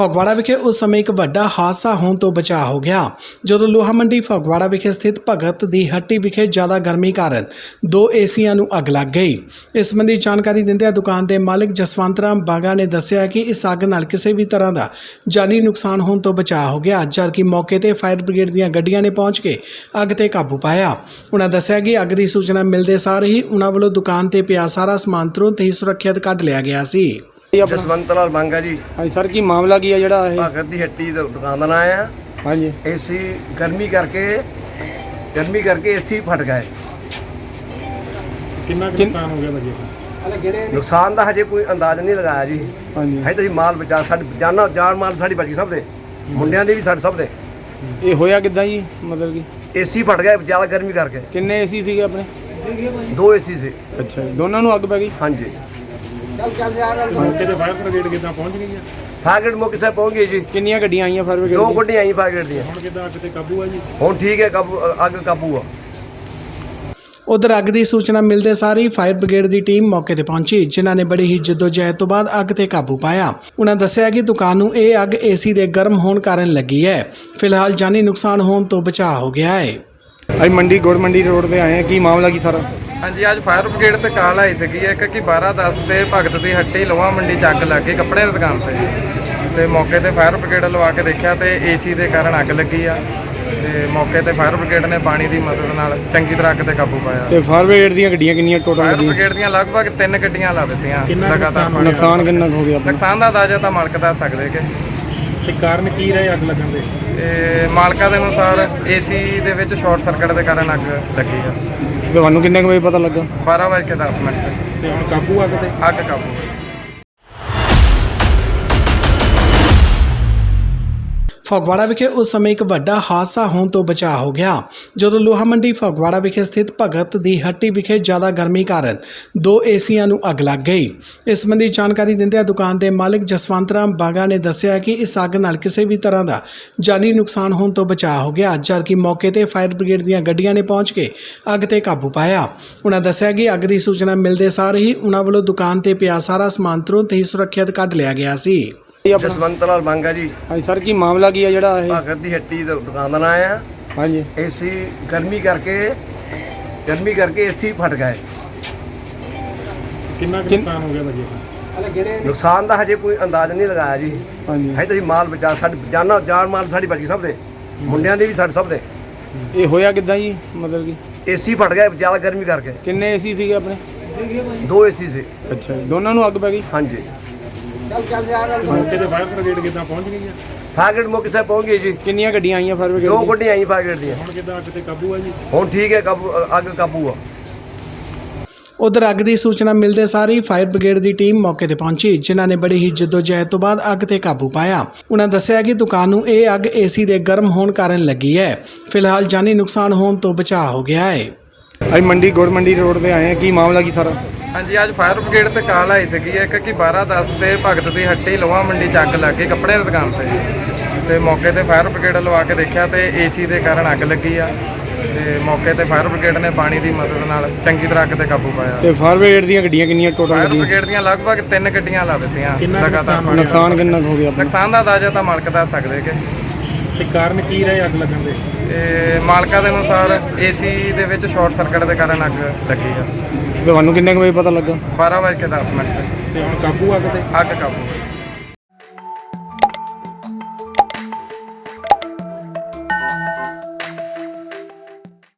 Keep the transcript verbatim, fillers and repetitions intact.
ਫਗਵਾੜਾ ਵਿਖੇ ਉਸ ਸਮੇਂ ਇੱਕ ਵੱਡਾ ਹਾਦਸਾ ਹੋਣ ਤੋਂ ਬਚਾ ਹੋ ਗਿਆ ਜਦੋਂ ਲੋਹਾ ਮੰਡੀ ਫਗਵਾੜਾ ਵਿਖੇ ਸਥਿਤ ਭਗਤ ਦੀ ਹੱਟੀ ਵਿਖੇ ਜ਼ਿਆਦਾ ਗਰਮੀ ਕਾਰਨ ਦੋ ਏਸੀਆਂ ਨੂੰ ਅੱਗ ਲੱਗ ਗਈ। ਇਸ ਸੰਬੰਧੀ ਜਾਣਕਾਰੀ ਦਿੰਦਿਆਂ ਦੁਕਾਨ ਦੇ ਮਾਲਕ ਜਸਵੰਤ ਰਾਮ ਬਾਗਾ ਨੇ ਦੱਸਿਆ ਕਿ ਇਸ ਅੱਗ ਨਾਲ ਕਿਸੇ ਵੀ ਤਰ੍ਹਾਂ ਦਾ ਜਾਨੀ ਨੁਕਸਾਨ ਹੋਣ ਤੋਂ ਬਚਾ ਹੋ ਗਿਆ, ਜਦਕਿ ਮੌਕੇ ਤੇ ਫਾਇਰ ਬ੍ਰਿਗੇਡ ਦੀਆਂ ਗੱਡੀਆਂ ਨੇ ਪਹੁੰਚ ਕੇ ਅੱਗ ਤੇ ਕਾਬੂ ਪਾਇਆ। ਉਹਨਾਂ ਦੱਸਿਆ ਕਿ ਅੱਗ ਦੀ ਸੂਚਨਾ ਮਿਲਦੇ ਸਾਰ ਹੀ ਉਹਨਾਂ ਵੱਲੋਂ ਦੁਕਾਨ ਤੇ ਪਿਆ ਸਾਰਾ ਸਮਾਨ ਤੁਰੰਤ ਹੀ ਸੁਰੱਖਿਅਤ ਕੱਢ ਲਿਆ ਗਿਆ ਸੀ। ਜਸਵੰਤ ਲਾਲ ਬਾਂਗਾ ਜੀ। ਹਾਂਜੀ ਸਰ, ਕੀ ਮਾਮਲਾ ਕੀ ਹੈ ਜਿਹੜਾ ਇਹ ਭਗਤ ਦੀ ਹੱਟੀ ਦਾ ਦੁਕਾਨ ਦਾ ਨਾਂ ਆ। ਹਾਂਜੀ, ਏਸੀ ਗਰਮੀ ਕਰਕੇ ਗਰਮੀ ਕਰਕੇ ਏਸੀ ਫਟ ਗਏ। ਕਿੰਨਾ ਕੁ ਨੁਕਸਾਨ ਹੋ ਗਿਆ ਭਾਜੀ? ਨੁਕਸਾਨ ਦਾ ਹਜੇ ਕੋਈ ਅੰਦਾਜ਼ ਨਹੀਂ ਲਗਾਇਆ ਜੀ। ਹਾਂਜੀ, ਹਜੇ ਤਾਂ ਮਾਲ ਬਚਾ ਸਾਡੀ ਜਾਨਾਂ ਜਾਨ ਮਾਲ ਸਾਡੀ ਬਚ ਗਈ, ਸਭ ਦੇ ਮੁੰਡਿਆਂ ਦੇ ਵੀ ਸਾਡੇ ਸਭ ਦੇ। ਇਹ ਹੋਇਆ ਕਿੱਦਾਂ ਜੀ? ਮਤਲਬ ਕਿ ਏਸੀ ਫਟ ਗਏ ਜ਼ਿਆਦਾ ਗਰਮੀ ਕਰਕੇ। ਕਿੰਨੇ ਏਸੀ ਸੀਗੇ ਆਪਣੇ? ਦੋ ਏਸੀ ਸੀ। ਅੱਛਾ ਜੀ, ਦੋਨਾਂ ਨੂੰ ਅੱਗ ਪੈ ਗਈ? ਹਾਂਜੀ। ਮੌਕੇ ਤੇ ਫਾਇਰ ਬ੍ਰਿਗੇਡ ਕਿੱਦਾਂ ਪਹੁੰਚ ਗਈ ਹੈ? ਫਾਇਰ ਮੌਕੇ ਸੇ ਪਹੁੰਚ ਗਈ ਜੀ। ਕਿੰਨੀਆਂ ਗੱਡੀਆਂ ਆਈਆਂ ਫਾਇਰ ਬ੍ਰਿਗੇਡ ਦੋ ਦੀਆਂ? ਗੱਡੀਆਂ ਆਈਆਂ ਫਾਇਰ ਦੀਆਂ। ਹੁਣ ਕਿੱਦਾਂ ਅੱਗ ਤੇ ਕਾਬੂ ਆ ਜੀ? ਹੁਣ ਠੀਕ ਹੈ, ਕਾਬੂ ਅੱਗ ਕਾਬੂ ਆ। ਉਧਰ ਅੱਗ ਦੀ ਸੂਚਨਾ ਮਿਲਦੇ ਸਾਰ ਹੀ ਫਾਇਰ ਬ੍ਰਿਗੇਡ ਦੀ ਟੀਮ ਮੌਕੇ ਤੇ ਪਹੁੰਚੀ, ਜਿਨ੍ਹਾਂ ਨੇ ਬੜੀ ਹੀ ਜਹਿਦ ਤੋਂ ਬਾਅਦ ਅੱਗ ਤੇ ਕਾਬੂ ਪਾਇਆ। ਉਹਨਾਂ ਦੱਸਿਆ ਕਿ ਦੁਕਾਨ ਨੂੰ ਇਹ ਅੱਗ ਏਸੀ ਦੇ ਗਰਮ ਹੋਣ ਕਾਰਨ ਲੱਗੀ ਹੈ। ਫਿਲਹਾਲ ਜਾਨੀ ਨੁਕਸਾਨ ਹੋਣ ਤੋਂ ਬਚਾਅ ਹੋ ਗਿਆ ਹੈ। ਅਸੀਂ ਮੰਡੀ ਗੁੜ ਮੰਡੀ ਰੋਡ ਤੇ ਆਏ ਹਾਂ, ਕੀ ਮਾਮਲਾ ਕੀ ਸਾਰਾ? ਹਾਂਜੀ, ਅੱਜ ਫਾਇਰ ਬ੍ਰਿਗੇਡ ਤੇ ਕਾਲ ਆਈ ਸੀਗੀ ਇੱਕ ਕਿ ਬਾਰਾਂ ਦਸ ਤੇ ਭਗਤ ਦੀ ਹੱਟੀ ਲੋਹਾ ਮੰਡੀ ਚ ਅੱਗ ਲੱਗ ਗਈ ਕੱਪੜੇ ਦੀ ਦੁਕਾਨ ਤੇ ਤੇ ਮੌਕੇ ਤੇ ਫਾਇਰ ਬ੍ਰਿਗੇਡ ਲਵਾ ਕੇ ਦੇਖਿਆ ਤੇ ਏਸੀ ਦੇ ਕਾਰਨ ਅੱਗ ਲੱਗੀ ਆ ਤੇ ਮੌਕੇ ਤੇ ਫਾਇਰ ਬ੍ਰਿਗੇਡ ਨੇ ਪਾਣੀ ਦੀ ਮਦਦ ਨਾਲ ਚੰਗੀ ਤਰ੍ਹਾਂ ਅੱਗ ਤੇ ਕਾਬੂ ਪਾਇਆ। ਤੇ ਫਾਇਰ ਬ੍ਰਿਗੇਡ ਦੀਆਂ ਗੱਡੀਆਂ ਕਿੰਨੀਆਂ ਟੋਟਲ? ਫਾਇਰ ਬ੍ਰਿਗੇਡ ਦੀਆਂ ਲਗਭਗ ਤਿੰਨ ਗੱਡੀਆਂ ਲਾ ਦਿੱਤੀਆਂ। ਲਗਾਤਾਰ ਨੁਕਸਾਨ ਕਿੰਨਾ ਕੁ ਹੋ ਗਿਆ ਆਪਣਾ? ਨੁਕਸਾਨ ਦਾ ਅੰਦਾਜ਼ਾ ਤਾਂ ਮਾਲਕ ਦੱਸ ਸਕਦੇ ਕਿ ਤੇ ਕਾਰਨ ਕੀ ਰਹੇ ਅੱਗ ਲੱਗਣ ਦੇ? ਤੇ ਮਾਲਕਾਂ ਦੇ ਅਨੁਸਾਰ ਏਸੀ ਦੇ ਵਿੱਚ ਸ਼ਾਰਟ ਸਰਕਟ ਦੇ ਕਾਰਨ ਅੱਗ ਲੱਗੀ ਆ। ਤੁਹਾਨੂੰ ਕਿੰਨੇ ਕੁ ਵਜੇ ਪਤਾ ਲੱਗਾ? ਬਾਰਾਂ ਵਜੇ ਕੇ ਦਸ ਮਿੰਟ ਤੇ ਤੇ ਹੁਣ ਕਾਬੂ ਅੱਗ ਤੇ? ਅੱਗ ਕਾਬੂ। ਫਗਵਾੜਾ ਵਿਖੇ ਉਸ ਸਮੇਂ ਇੱਕ ਵੱਡਾ ਹਾਦਸਾ ਹੋਣ ਤੋਂ ਬਚਾ ਹੋ ਗਿਆ ਜਦੋਂ ਲੋਹਾ ਮੰਡੀ ਫਗਵਾੜਾ ਵਿਖੇ ਸਥਿਤ ਭਗਤ ਦੀ ਹੱਟੀ ਵਿਖੇ ਜ਼ਿਆਦਾ ਗਰਮੀ ਕਾਰਨ ਦੋ ਏਸੀਆਂ ਨੂੰ ਅੱਗ ਲੱਗ ਗਈ। ਇਸ ਸੰਬੰਧੀ ਜਾਣਕਾਰੀ ਦਿੰਦਿਆਂ ਦੁਕਾਨ ਦੇ ਮਾਲਕ ਜਸਵੰਤ ਰਾਮ ਬਾਗਾ ਨੇ ਦੱਸਿਆ ਕਿ ਇਸ ਅੱਗ ਨਾਲ ਕਿਸੇ ਵੀ ਤਰ੍ਹਾਂ ਦਾ ਜਾਨੀ ਨੁਕਸਾਨ ਹੋਣ ਤੋਂ ਬਚਾ ਹੋ ਗਿਆ, ਜਦਕਿ ਮੌਕੇ ਤੇ ਫਾਇਰ ਬ੍ਰਿਗੇਡ ਦੀਆਂ ਗੱਡੀਆਂ ਨੇ ਪਹੁੰਚ ਕੇ ਅੱਗ ਤੇ ਕਾਬੂ ਪਾਇਆ। ਉਹਨਾਂ ਦੱਸਿਆ ਕਿ ਅੱਗ ਦੀ ਸੂਚਨਾ ਮਿਲਦੇ ਸਾਰ ਹੀ ਉਹਨਾਂ ਵੱਲੋਂ ਦੁਕਾਨ ਤੇ ਪਿਆ ਸਾਰਾ ਸਮਾਨ ਤੁਰੰਤ ਹੀ ਸੁਰੱਖਿਅਤ ਕੱਢ ਲਿਆ ਗਿਆ ਸੀ। ਜਸਵੰਤ ਲਾਲ ਬਾਂਗਾ ਜੀ। ਹਾਂਜੀ ਸਰ, ਕੀ ਮਾਮਲਾ ਕੀ ਹੈ ਜਿਹੜਾ ਇਹ ਭਗਤ ਦੀ ਹੱਟੀ ਦਾ ਦੁਕਾਨ ਦਾ ਨਾਂ ਆ। ਹਾਂਜੀ, ਏਸੀ ਗਰਮੀ ਕਰਕੇ ਗਰਮੀ ਕਰਕੇ ਏਸੀ ਫਟ ਗਏ। ਕਿੰਨਾ ਕੁ ਨੁਕਸਾਨ ਹੋ ਗਿਆ ਭਾਜੀ? ਨੁਕਸਾਨ ਦਾ ਹਜੇ ਕੋਈ ਅੰਦਾਜ਼ ਨਹੀਂ ਲਗਾਇਆ ਜੀ। ਹਾਂਜੀ, ਹਜੇ ਤਾਂ ਮਾਲ ਬਚਾ ਸਾਡੀ ਜਾਨਾਂ ਜਾਨ ਮਾਲ ਸਾਡੀ ਬਚ ਗਈ, ਸਭ ਦੇ ਮੁੰਡਿਆਂ ਦੇ ਵੀ ਸਾਡੇ ਸਭ ਦੇ। ਇਹ ਹੋਇਆ ਕਿੱਦਾਂ ਜੀ? ਮਤਲਬ ਕਿ ਏਸੀ ਫਟ ਗਏ ਜ਼ਿਆਦਾ ਗਰਮੀ ਕਰਕੇ। ਕਿੰਨੇ ਏਸੀ ਸੀਗੇ ਆਪਣੇ? ਦੋ ਏਸੀ ਸੀ। ਅੱਛਾ ਜੀ, ਦੋਨਾਂ ਨੂੰ ਅੱਗ ਪੈ ਗਈ? ਹਾਂਜੀ। ਮੌਕੇ ਤੇ ਫਾਇਰ ਬ੍ਰਿਗੇਡ ਕਿੱਦਾਂ ਪਹੁੰਚ ਗਈ ਹੈ? ਫਾਇਰ ਮੌਕੇ ਸੇ ਪਹੁੰਚ ਗਈ ਜੀ। ਕਿੰਨੀਆਂ ਗੱਡੀਆਂ ਆਈਆਂ ਫਾਇਰ ਦੋ ਬ੍ਰਿਗੇਡ? ਗੱਡੀਆਂ ਆਈਆਂ ਫਾਇਰ ਦੀਆਂ। ਹੁਣ ਕਿੱਦਾਂ ਅੱਗ ਤੇ ਕਾਬੂ ਆ ਜੀ? ਹੁਣ ਠੀਕ ਹੈ, ਕਾਬੂ ਅੱਗ ਕਾਬੂ ਆ। ਉਧਰ ਅੱਗ ਦੀ ਸੂਚਨਾ ਮਿਲਦੇ ਸਾਰ ਹੀ ਫਾਇਰ ਬ੍ਰਿਗੇਡ ਦੀ ਟੀਮ ਮੌਕੇ ਤੇ ਪਹੁੰਚੀ, ਜਿਨ੍ਹਾਂ ਨੇ ਬੜੀ ਹੀ ਜਹਿਦ ਤੋਂ ਬਾਅਦ ਅੱਗ ਤੇ ਕਾਬੂ ਪਾਇਆ। ਉਹਨਾਂ ਦੱਸਿਆ ਕਿ ਦੁਕਾਨ ਨੂੰ ਇਹ ਅੱਗ ਏਸੀ ਦੇ ਗਰਮ ਹੋਣ ਕਾਰਨ ਲੱਗੀ ਹੈ। ਫਿਲਹਾਲ ਜਾਨੀ ਨੁਕਸਾਨ ਹੋਣ ਤੋਂ ਬਚਾਅ ਹੋ ਗਿਆ ਹੈ। ਅਸੀਂ ਮੰਡੀ ਗੁੜ ਮੰਡੀ ਰੋਡ ਤੇ ਆਏ ਹਾਂ, ਕੀ ਮਾਮਲਾ ਕੀ ਸਾਰਾ? ਹਾਂਜੀ, ਅੱਜ ਫਾਇਰ ਬ੍ਰਿਗੇਡ ਤੇ ਕਾਲ ਆਈ ਸੀਗੀ ਇੱਕ ਕਿ ਬਾਰਾਂ ਦਸ ਤੇ ਭਗਤ ਦੀ ਹੱਟੀ ਲੋਹਾ ਮੰਡੀ ਚ ਅੱਗ ਲੱਗ ਗਈ ਕੱਪੜੇ ਦੀ ਦੁਕਾਨ ਤੇ ਤੇ ਮੌਕੇ ਤੇ ਫਾਇਰ ਬ੍ਰਿਗੇਡ ਲਵਾ ਕੇ ਦੇਖਿਆ ਤੇ ਏਸੀ ਦੇ ਕਾਰਨ ਅੱਗ ਲੱਗੀ ਆ ਤੇ ਮੌਕੇ ਤੇ ਫਾਇਰ ਬ੍ਰਿਗੇਡ ਨੇ ਪਾਣੀ ਦੀ ਮਦਦ ਨਾਲ ਚੰਗੀ ਤਰ੍ਹਾਂ ਅੱਗ ਤੇ ਕਾਬੂ ਪਾਇਆ। ਤੇ ਫਾਇਰ ਬ੍ਰਿਗੇਡ ਦੀਆਂ ਗੱਡੀਆਂ ਕਿੰਨੀਆਂ ਟੋਟਲ? ਫਾਇਰ ਬ੍ਰਿਗੇਡ ਦੀਆਂ ਲਗਭਗ ਤਿੰਨ ਗੱਡੀਆਂ ਲਾ ਦਿੱਤੀਆਂ। ਲਗਾਤਾਰ ਨੁਕਸਾਨ ਕਿੰਨਾ ਕੁ ਹੋ ਗਿਆ ਆਪਣਾ? ਨੁਕਸਾਨ ਦਾ ਅੰਦਾਜ਼ਾ ਤਾਂ ਮਾਲਕ ਦੱਸ ਸਕਦੇ ਕਿ ਤੇ ਕਾਰਨ ਕੀ ਰਹੇ ਅੱਗ ਲੱਗਣ ਦੇ? ਤੇ ਮਾਲਕਾਂ ਦੇ ਅਨੁਸਾਰ ਏਸੀ ਦੇ ਵਿੱਚ ਸ਼ਾਰਟ ਸਰਕਟ ਦੇ ਕਾਰਨ ਅੱਗ ਲੱਗੀ ਆ। ਤੁਹਾਨੂੰ ਕਿੰਨੇ ਕੁ ਵਜੇ ਪਤਾ ਲੱਗਾ? ਬਾਰਾਂ ਵਜੇ ਕੇ ਦਸ ਮਿੰਟ ਤੇ ਤੇ ਹੁਣ ਕਾਬੂ ਅੱਗ ਤੇ? ਅੱਗ ਕਾਬੂ।